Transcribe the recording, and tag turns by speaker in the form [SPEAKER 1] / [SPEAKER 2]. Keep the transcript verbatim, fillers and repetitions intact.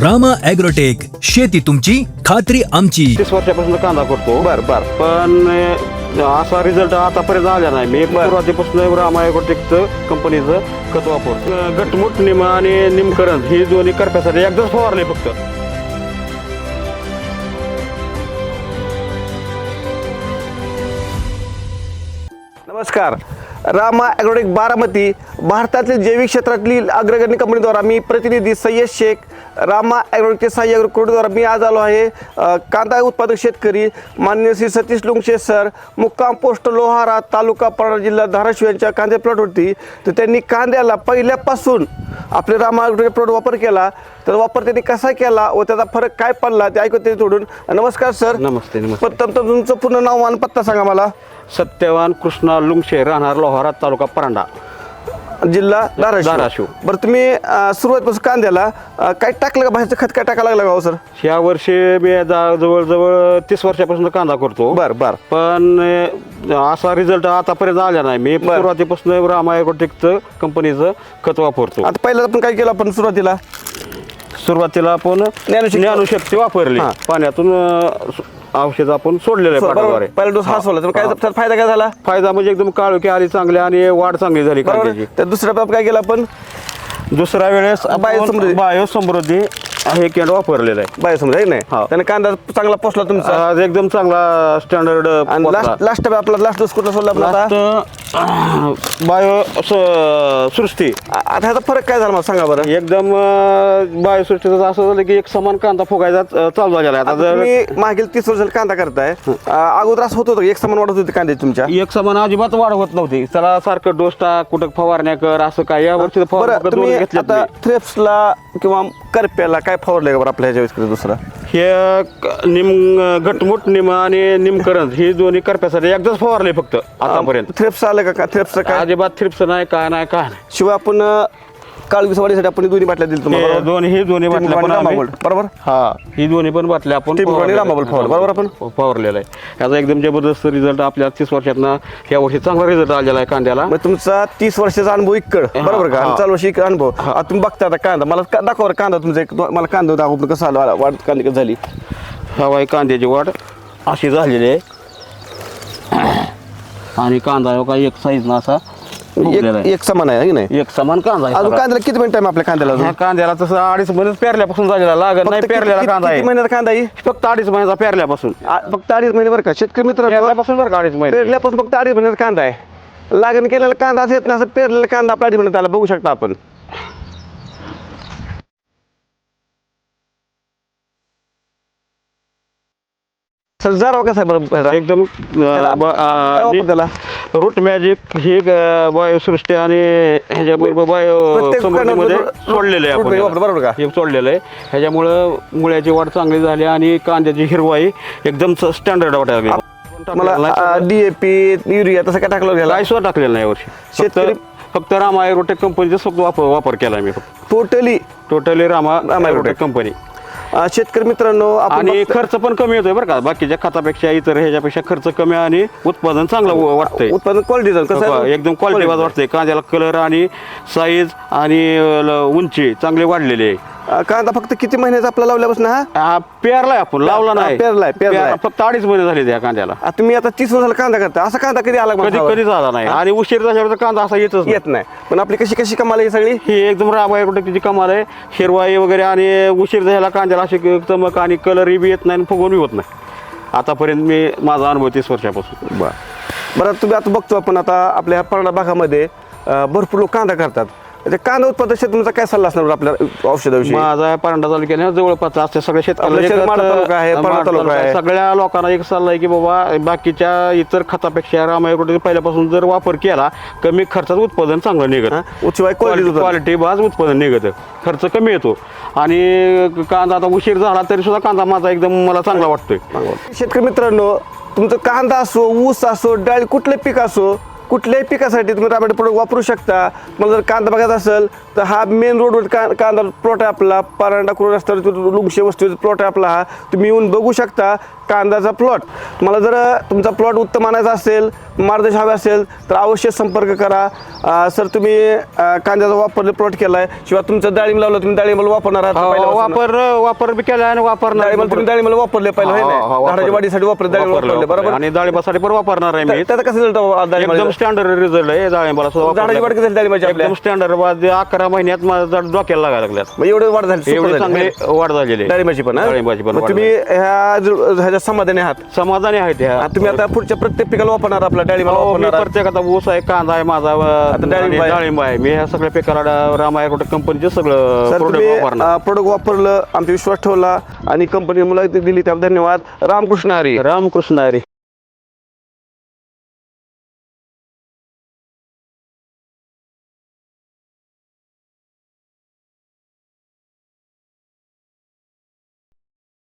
[SPEAKER 1] Rama agrotech, शेती तुमची खात्री आमची.
[SPEAKER 2] तीस वर्षापासून कांदा करतो.
[SPEAKER 3] बर बर
[SPEAKER 2] पण अं, असा रिझल्ट आतापर्यंत आला नाही. मी सुरुवातीपासून रामा ॲग्रोटेकचं कंपनीचं खत वापरतो. अं, गटमुट निम आणि निमकरण ही दोन्ही करप्यासाठी एकदाच फवारले फक्त.
[SPEAKER 3] नमस्कार. रामा ॲग्रोटेक बारामती भारतातील जैविक क्षेत्रातली अग्रगण्य कंपनीद्वारा मी प्रतिनिधी सय्यद शेख रामा ॲग्रोटेकचे सहाय्यक अग्रोकोडद्वारा मी आज आलो आहे. अ, कांदा उत्पादक शेतकरी माननीय श्री सतीश लुंगशे सर, मुक्काम पोस्ट लोहारा, तालुका परळा, जिल्हा धाराशिव यांच्या कांदे प्लॉटवरती. तर त्यांनी कांद्याला पहिल्यापासून आपले रामा ॲग्रोटेक प्लॉट वापर केला. तर वापर त्यांनी कसा केला व त्याचा फरक काय पडला ते ऐकू ते तोडून. नमस्कार सर.
[SPEAKER 2] नमस्ते नमस्ते.
[SPEAKER 3] प्रथम तर तुमचं पूर्ण नाव आणि पत्ता सांगा मला.
[SPEAKER 2] सत्यवान कृष्णा लुंगशे, राहणार लोहारा, तालुका परांडा,
[SPEAKER 3] जिल्हा धाराशिव.
[SPEAKER 2] धाराशिव.
[SPEAKER 3] बरं, तुम्ही अ, सुरुवातीपासून कांद्याला अ, काय टाकलं का बाहेरचं खत काय टाकायला लागलं का हो सर?
[SPEAKER 2] ह्या वर्षी मी जा- जवळजवळ तीस वर्षापासून कांदा करतो.
[SPEAKER 3] बर बर
[SPEAKER 2] पण अं, असा रिझल्ट आतापर्यंत आला नाही. मी
[SPEAKER 3] बरं.
[SPEAKER 2] सुरुवातीपासून रामा ॲग्रोटेकचं कंपनीचं खत वापरतो.
[SPEAKER 3] आता पहिला आपण काय केलं आपण सुरुवातीला
[SPEAKER 2] सुरुवातीला आपण
[SPEAKER 3] ज्ञानशक्ती-
[SPEAKER 2] ज्ञानशक्ती वापरली.
[SPEAKER 3] हां.
[SPEAKER 2] पाण्यातून अं, औषध आपण सोडलेलं आहे
[SPEAKER 3] बरोबर.
[SPEAKER 2] पाटाद्वारे.
[SPEAKER 3] पहिला डोस हा सोडला तर काय त्याचा फायदा काय झाला?
[SPEAKER 2] फायदा म्हणजे एकदम काळोखी आली चांगली आणि वाढ चांगली झाली
[SPEAKER 3] बरोबर.
[SPEAKER 2] कांद्याची.
[SPEAKER 3] तर दुसऱ्या बाब काय केलं आपण?
[SPEAKER 2] दुसऱ्या वेळेस
[SPEAKER 3] बायो समृद्धी.
[SPEAKER 2] बायो समृद्धी हे केंड वापरलेलं आहे.
[SPEAKER 3] बाय समजा नाही
[SPEAKER 2] हा.
[SPEAKER 3] त्याने कांदा चांगला पोचला तुमचा.
[SPEAKER 2] आज एकदम चांगला स्टँडर्ड
[SPEAKER 3] आणि लास्ट लास्ट आपला लास्ट डोस कुठला सोडला आपला आता?
[SPEAKER 2] बायो सृष्टी.
[SPEAKER 3] आ- आता ह्याचा फरक काय झाला मला सांगा बरं.
[SPEAKER 2] एकदम बायो सृष्टीचं असं झालं की एक समान कांदा फुगायचा अं, चालू झालेला आहे.
[SPEAKER 3] आता
[SPEAKER 2] आता जर
[SPEAKER 3] तुम्ही मागील तीस वर्षाला कांदा करताय, आ, अगोदर असं होत होतं का? एक समान वाढत होते कांदे तुमच्या?
[SPEAKER 2] एक समान अजिबात वाढ होत नव्हती. चला सारखं डोस टाक, कुठं फवारण्या कर, असं काय. या वर्षी
[SPEAKER 3] बरं, तुम्ही आता थ्रेप्सला किंवा करप्याला काय फवारले का बरं आपल्या ह्याच्या वेळेस दुसरा?
[SPEAKER 2] हे क- निम घटमुट निम आणि निमकरण ही दोन्ही करप्यासाठी एकदाच फवारले फक्त आतापर्यंत.
[SPEAKER 3] थ्रेप्स आलं का? थ्रेप्सचं काय?
[SPEAKER 2] अजिबात थ्रिप्स नाही, काय नाही, काय नाही.
[SPEAKER 3] शिवाय आपण काळवीस वाढीसाठी आपण दोन्ही बाटल्या दिली तुम्हाला,
[SPEAKER 2] हे
[SPEAKER 3] बरोबर?
[SPEAKER 2] दोन्ही ही दोन्ही बाटल्या
[SPEAKER 3] टिंबू
[SPEAKER 2] पण
[SPEAKER 3] आणि
[SPEAKER 2] आम्ही-
[SPEAKER 3] रामागोल्ड, बरोबर?
[SPEAKER 2] हा, ही दोन्ही पण बाटल्या आपण
[SPEAKER 3] टिंबू आणि
[SPEAKER 2] फवारलेल्या
[SPEAKER 3] रामागोल्ड
[SPEAKER 2] आहेत.
[SPEAKER 3] फवारलं, बरोबर आपण?
[SPEAKER 2] फवारलेला आहे. याचा एकदम जबरदस्त रिझल्ट आपल्या तीस वर्षातनं या वर्षी चांगला रिझल्ट आलेला आहे कांद्याला.
[SPEAKER 3] मग तुमचा तीस वर्षाचा अनुभव इकड, बरोबर का? आणि चालू वर्षी इकड अनुभव. आता तुम्ही बघता आता कांदा, मला का- दाखवा बरं कांदा तुमचा एक, मला कांदा दाखवा कसं आलं, वाढ कांदी कसं झाली.
[SPEAKER 2] हवाई कांद्याची वाढ अशी झालेली आहे आणि कांदा हो का एक साईज ना असा उगलेला
[SPEAKER 3] एक
[SPEAKER 2] आहे.
[SPEAKER 3] एक समान आहे की नाही?
[SPEAKER 2] एक समान कांदा आहे
[SPEAKER 3] अजून
[SPEAKER 2] सगळा.
[SPEAKER 3] कांद्याला किती मिनिट टाइम आपल्या कांद्याला अजून?
[SPEAKER 2] ह्या कांद्याला तसं अडीच महिन्यात पेरल्यापासून झालेला लागत नाही.
[SPEAKER 3] फक्त किती-
[SPEAKER 2] पेरलेला
[SPEAKER 3] किती-
[SPEAKER 2] कांदा
[SPEAKER 3] किती
[SPEAKER 2] आहे
[SPEAKER 3] महिन्याचा कांदा आहे?
[SPEAKER 2] फक्त अडीच महिन्याचा पेरल्यापासून.
[SPEAKER 3] आ- फक्त अडीच महिने बरं का शेतकरी मित्र?
[SPEAKER 2] पेरल्यापासून बरं का अडीच महिने.
[SPEAKER 3] पेरल्यापासून फक्त अडीच महिन्याचा कांदा आहे. लागण केलेला कांदा असं येत नाही, असं पेरलेला कांदा आपल्या अडीच महिन्यात आला, बघू शकता आपण. सर जरा कसा आहे बरं ह्याचा?
[SPEAKER 2] एकदम अं, ब-
[SPEAKER 3] काय वापरतो
[SPEAKER 2] अं,
[SPEAKER 3] त्याला?
[SPEAKER 2] रूट मॅजिक ही बायोसृष्टी आणि ह्याच्याबरोबर बायो
[SPEAKER 3] प्रत्येक
[SPEAKER 2] समृद्धीमध्ये
[SPEAKER 3] कांद्यामध्ये
[SPEAKER 2] सोडलेलं आहे
[SPEAKER 3] रूट
[SPEAKER 2] आपण
[SPEAKER 3] मॅजिक
[SPEAKER 2] याला.
[SPEAKER 3] वापरतो, बरोबर का?
[SPEAKER 2] हे सोडलेलं आहे. ह्याच्यामुळं मुळ्याची वाढ चांगली झाली आणि कांद्याची हिरवाई एकदम स्टँडर्ड वाटायला लागली.
[SPEAKER 3] मला डीएपी युरिया तसं काय टाकलं घ्यायला?
[SPEAKER 2] काय सुद्धा टाकलेलं नाही यावर्षी.
[SPEAKER 3] शेतकरी-
[SPEAKER 2] फक्त फक्त रामा ॲग्रोटेक कंपनीचा फक्त वापर वापर केला मी फक्त.
[SPEAKER 3] Totally
[SPEAKER 2] totally Rama
[SPEAKER 3] Rama
[SPEAKER 2] agrotech
[SPEAKER 3] agrotech.
[SPEAKER 2] Company.
[SPEAKER 3] शेतकरी मित्रांनो आपण
[SPEAKER 2] आणि
[SPEAKER 3] बघतो-
[SPEAKER 2] खर्च पण कमी येतोय बरं का. बाकीच्या खतापेक्षा इतर ह्याच्यापेक्षा खर्च कमी आणि उत्पादन चांगलं व- वाटतंय.
[SPEAKER 3] उत्पादन क्वालिटी कसं आहे?
[SPEAKER 2] एकदम क्वालिटी वाटतंय. कांद्याला कलर आणि साईज आणि ल- उंची चांगली वाढलेली आहे.
[SPEAKER 3] अं, कांदा फक्त किती महिन्याचा आपला लावल्यापासून हा?
[SPEAKER 2] हा, पेरलाय आपण, लावला नाही.
[SPEAKER 3] पेरलाय, पेरलाय.
[SPEAKER 2] पेर- फक्त अडीच महिने झाले त्या कांद्याला.
[SPEAKER 3] आ, तुम्ही आता तीस वर्षाला कांदा करता, असा कांदा कधी आला का
[SPEAKER 2] कधी
[SPEAKER 3] मला?
[SPEAKER 2] कधी झाला नाही आणि उशीर झाल्यावर कांदा असा येतच नाही.
[SPEAKER 3] येत नाही. पण आपली कशी कशी कमाल आहे सगळी?
[SPEAKER 2] ही एकदम रामा ॲग्रोटेकची कमाल आहे. हिरवाई वगैरे आणि उशीर झाला कांद्याला अशी चमक आणि कलरही बी येत नाही आणि फुगवून बी होत नाही. आतापर्यंत मी माझा अनुभव तीस वर्षापासून.
[SPEAKER 3] बरं, तुम्ही आता बघतो आपण आता आपल्या ह्या परळा भागामध्ये अं, भरपूर लोक कांदा करतात. ते कांदा उत्पादक शेतकऱ्यांचा काय सल्ला असणार आपल्या औषधाविषयी?
[SPEAKER 2] माझा परांडा तालुक्याने जवळपास असते सगळ्या
[SPEAKER 3] आपलं शहर माढा तालुका आहे,
[SPEAKER 2] शेतकऱ्यांना
[SPEAKER 3] परळा तालुका आहे.
[SPEAKER 2] सगळ्या लोकांना एक सल्ला आहे की बाबा बाकीच्या इतर खतापेक्षा रामा ॲग्रोटेक पहिल्यापासून जर वापर केला कमी खर्चात उत्पादन चांगलं निघत.
[SPEAKER 3] हा? उच्चवाय quality उत्पादन.
[SPEAKER 2] क्वालिटी बाज उत्पादन निघत. खर्च कमी येतो आणि कांदा आता उशीर झाला तरी सुद्धा कांदा माझा एकदम मला चांगला वाटतोय.
[SPEAKER 3] शेतकरी मित्रांनो, तुमचं कांदा असो, ऊस असो, डाळी, कुठले पीक असो, कुठल्याही पिकासाठी तुम्ही रामायण प्रोडक्ट वापरू शकता. मला जर कांदा बघायचा असेल तर हा मेन रोडवर का कांदा प्लॉट आहे आपला. परांडा कुरुड रस्त्यावर लुंगशे वस्तीवर प्लॉट आहे आपला. हा तुम्ही येऊन बघू शकता. कांद्याचा प्लॉट. तुम्हाला जर तुमचा प्लॉट उत्तम आणायचा असेल, मार्गदर्शन हवे असेल तर अवश्य संपर्क करा. अ, सर तुम्ही अ, कांद्याचा वापर प्लॉट केलाय, शिवाय तुमचं डाळिंब लावलं, तुम्ही डाळिंबाला वापरणार आहात
[SPEAKER 2] हो,
[SPEAKER 3] पहिल्यापासून.
[SPEAKER 2] वापर वापर बी केला आणि वापरणार
[SPEAKER 3] डाळिंबाला तुम्ही डाळिंबाला वापरले पहिलं
[SPEAKER 2] हो, हो,
[SPEAKER 3] होय
[SPEAKER 2] हो,
[SPEAKER 3] ना?
[SPEAKER 2] वापरलं.
[SPEAKER 3] झाडाच्या वाढीसाठी वापरले, डाळिंब
[SPEAKER 2] वापरलं,
[SPEAKER 3] वापरले बरोबर.
[SPEAKER 2] आणि डाळिंबासाठी पण वापरणार आहे मी.
[SPEAKER 3] त्या- त्याचा कसं रिझल्ट
[SPEAKER 2] एकदम स्टँडर्ड रिझल्ट आहे डाळिंबाला सुद्धा
[SPEAKER 3] झाडाची
[SPEAKER 2] वापरलं.
[SPEAKER 3] वाढ कशी झाली डाळिंबाची आपल्या?
[SPEAKER 2] एकदम स्टँडर्ड अकरा महिन्यात माझ्या डोक्याला लागायला लागल्यात.
[SPEAKER 3] मग एवढं वाढ झाली,
[SPEAKER 2] एवढी
[SPEAKER 3] super झाली.
[SPEAKER 2] चांगली वाढ झालेली आहे.
[SPEAKER 3] डाळिंबाची पण हा?
[SPEAKER 2] डाळिंबाची पण
[SPEAKER 3] मग
[SPEAKER 2] वाढ
[SPEAKER 3] तुम्ही ह्या जो- ह्याच्या समाधानी आहात?
[SPEAKER 2] समाधानी आहेत ह्या.
[SPEAKER 3] आता तुम्ही आता पुढच्या प्रत्येक पिकाला वापरणार आपल्या डाळिंबाला
[SPEAKER 2] हो, मी
[SPEAKER 3] वापरणार आहात?
[SPEAKER 2] प्रत्येक आता ऊस आहे, कांदा आहे माझा,
[SPEAKER 3] डाळिंब
[SPEAKER 2] आणि
[SPEAKER 3] आहे.
[SPEAKER 2] डाळिंब आहे. मी ह्या सगळ्या पिकाला रामा ॲग्रोटेक कंपनीचे सगळं
[SPEAKER 3] सर
[SPEAKER 2] प्रोडक्ट
[SPEAKER 3] तुम्ही
[SPEAKER 2] वापरणार.
[SPEAKER 3] प्रोडक्ट वापरलं, आमचा विश्वास ठेवला आणि कंपनी मुलाखती दिली, त्याबद्दल धन्यवाद. रामकृष्ण हरी.
[SPEAKER 2] रामकृष्ण हरी.